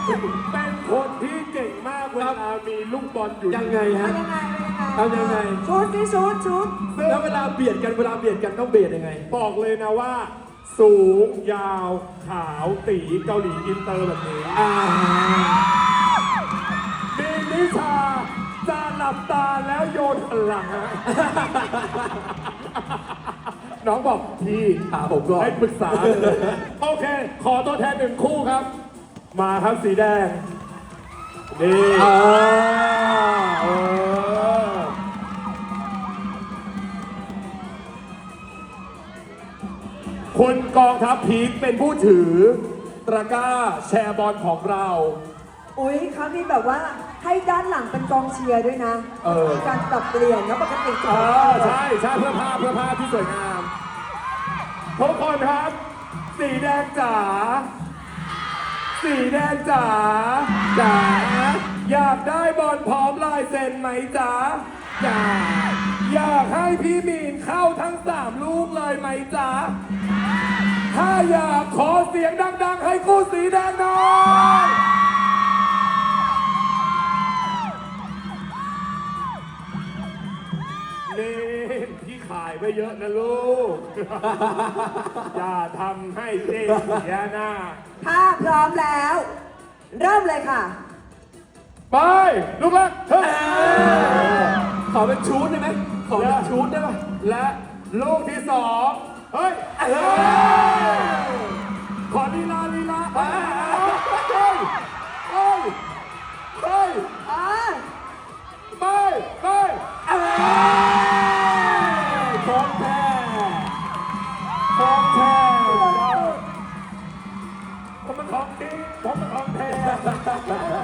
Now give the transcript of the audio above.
เป็นคนที่เก่งมากเวลามีลูกบอลอยู่ยังไงฮะเอายังไง ชุดนี่ชุดแล้วเวลาเบียดกันต้องเบียดยังไงบอกเลยนะว่า สูงยาวขาวตีเกาหลีอินเตอร์แบบนี้มีนิชาจะหลับตาแล้วโยนหันหลังฮะ น้องบอกพี่ถามผมก่อนให้ปรึกษาเลยโอเค ขอตัวแทนหนึ่งคู่ครับ มาครับสีแดง นี่คุณกองทัพพีคเป็นผู้ถือตะกร้าแชร์บอลของเราอุ๊ยเขามีแบบว่าให้ด้านหลังเป็นกองเชียร์ด้วยนะมีการปรับเปลี่ยนแล้วปกติใช่เพื่อภาพที่สวยงามทุกคนครับ สีแดงจ๋าอยากได้บอลพร้อมลายเซ็นไหมจ๋าอยากให้พี่มีนเข้าทั้ง3ลูกเลยไหมจ๋าถ้าอยากขอเสียงดังๆให้คู่สีแดงหน่อยนี่พี่ขายไปเยอะนะลูก อย่าทำให้เจ๊เสียหน้าถ้าพร้อมแล้ว เริ่มเลยค่ะไป ลูกแรกเฮ้ยขอเป็นชูดได้ไหมขอเป็นชูดได้ป่ะและลูกที่2เฮ้ยขอลีลาเฮ้ยไปของแท้ผมเป็นของจริงผมเป็นของแท้